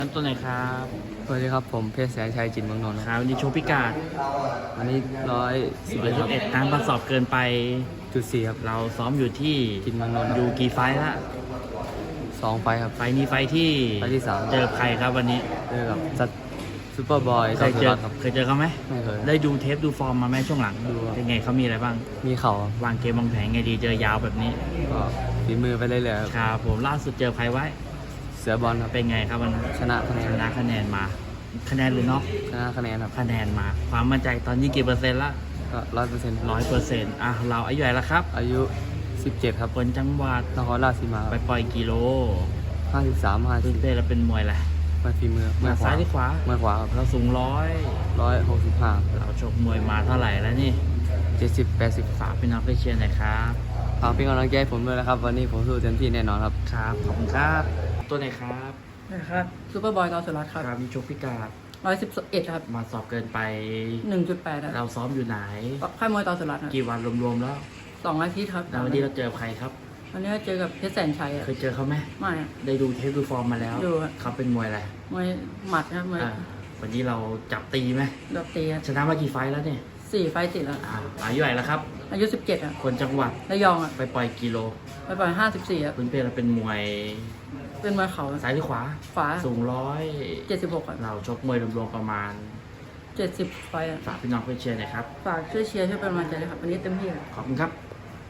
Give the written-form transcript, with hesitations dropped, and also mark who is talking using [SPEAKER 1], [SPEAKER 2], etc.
[SPEAKER 1] น้ำตัวไหนครับ
[SPEAKER 2] สวัสดีครับผมเพชรแสนชัยจินเมืองนนท์
[SPEAKER 1] ครับวันนี้โชว์พิกาด
[SPEAKER 2] วันนี้111ครับ
[SPEAKER 1] 111การประสอบเกินไป
[SPEAKER 2] 4ครับ
[SPEAKER 1] เราซ้อมอยู่ที่
[SPEAKER 2] จินเมืองนนท์
[SPEAKER 1] อยู่กี่ไฟล์ละ
[SPEAKER 2] 2ไฟครับ
[SPEAKER 1] ไฟล์นี้ไฟล์ที่
[SPEAKER 2] 3
[SPEAKER 1] เจอใครครับวันนี้
[SPEAKER 2] เจอกับซัดซูเปอร์บอย
[SPEAKER 1] เคยเจอเขาไหม
[SPEAKER 2] ไม่เคย
[SPEAKER 1] ได้ดูเทปดูฟอร์มมาไหมช่วงหลัง
[SPEAKER 2] ดู
[SPEAKER 1] เป็นไงเขามีอะไรบ้าง
[SPEAKER 2] มีเข่าว
[SPEAKER 1] างเกมวางแผนไงดีเจอยาวแบบนี้
[SPEAKER 2] ก็ฝีมือไปเรื่อยๆ
[SPEAKER 1] ครับผมล่าสุดเจอใครไว้
[SPEAKER 2] เสือบอลครับ
[SPEAKER 1] เป็นไงครับวันนั้น
[SPEAKER 2] ชนะคะแนน
[SPEAKER 1] มาคะแนนหรือน็อก
[SPEAKER 2] ชนะคะแนนครับ
[SPEAKER 1] คะแนนมาความมั่นใจตอนนี้กี่เปอร์เซ็นต์ละ
[SPEAKER 2] ก็
[SPEAKER 1] 100%เราอายุใหญ่แล้วครับ
[SPEAKER 2] อายุ17ครับ
[SPEAKER 1] คนจังหวัด
[SPEAKER 2] นครราชสีมา
[SPEAKER 1] ไปปล่อยกิโล
[SPEAKER 2] 53
[SPEAKER 1] ตื่นเต้นแล้วเป็นมวยแหละ
[SPEAKER 2] มาฝีมือ
[SPEAKER 1] มาซ้ายหรือขวา
[SPEAKER 2] มือขวาครับ
[SPEAKER 1] เราสูง
[SPEAKER 2] 165
[SPEAKER 1] เราชกมวยมาเท่าไหร่แล้วนี่
[SPEAKER 2] 70-80
[SPEAKER 1] ฝากพี่น้องไปเชียร์หน่อยครับ
[SPEAKER 2] ฝากเป็นกำลังใจให้ผมด้วยนะครับวันนี้ผมสู้เต็มที่แน่นอนครับ
[SPEAKER 1] ครับขอบคุณครับตัวไหนครับ
[SPEAKER 3] นะครับซูเปอร์บอยกอล์ฟสุรัตน์ครับ
[SPEAKER 1] ครับมีชกพิกาด
[SPEAKER 3] 111ครับ
[SPEAKER 1] มาสอบเกินไป
[SPEAKER 3] 1.8ครับ
[SPEAKER 1] เราซ้อมอยู่ไหน
[SPEAKER 3] ค่ายมวยต่อสุรัตน์ครับ
[SPEAKER 1] กี่วันรวมๆแล้ว
[SPEAKER 3] 2 อาทิตย์ครับ
[SPEAKER 1] แล้ววันนี้เราเจอใครครับ
[SPEAKER 3] วันนี้เจอกับเพชรแสนชัย
[SPEAKER 1] เคยเจอเขาไหม
[SPEAKER 3] ไม่ครับ
[SPEAKER 1] ได้ดูเทปดูฟอร์มมาแล้ว
[SPEAKER 3] ดูครับ
[SPEAKER 1] เขาเป็นมวยอะไร
[SPEAKER 3] มวยหมัดครับมวย
[SPEAKER 1] วันนี้เราจับตีไหม
[SPEAKER 3] ดอกตีครับ
[SPEAKER 1] ชนะมากี่ไฟล์แล้วเนี่ย
[SPEAKER 3] 4 ไฟต์ติดแล้ว
[SPEAKER 1] อายุใหญ่แล้วครับ
[SPEAKER 3] อายุ17ครับ
[SPEAKER 1] คนจังหวัด
[SPEAKER 3] ระยองอ่ะ
[SPEAKER 1] ไปปล่อยกิโล
[SPEAKER 3] ไปปล่อย54ครับ
[SPEAKER 1] พื้นเพเราเป็นมวย
[SPEAKER 3] เป็นมวยเข่า
[SPEAKER 1] ซ้ายหรือขวา
[SPEAKER 3] ขวา
[SPEAKER 1] สูง
[SPEAKER 3] 76ครับ
[SPEAKER 1] เราชกมวยรวมๆประมาณ
[SPEAKER 3] 70 ไฟต์
[SPEAKER 1] ฝากพี่น้องเพื่อนเชียร์หน่อยครับ
[SPEAKER 3] ฝากช่วยเชียร์ช่วยเป็นกำลังใจด้วยครับวันนี้เต็มที่
[SPEAKER 1] ขอบคุณครับ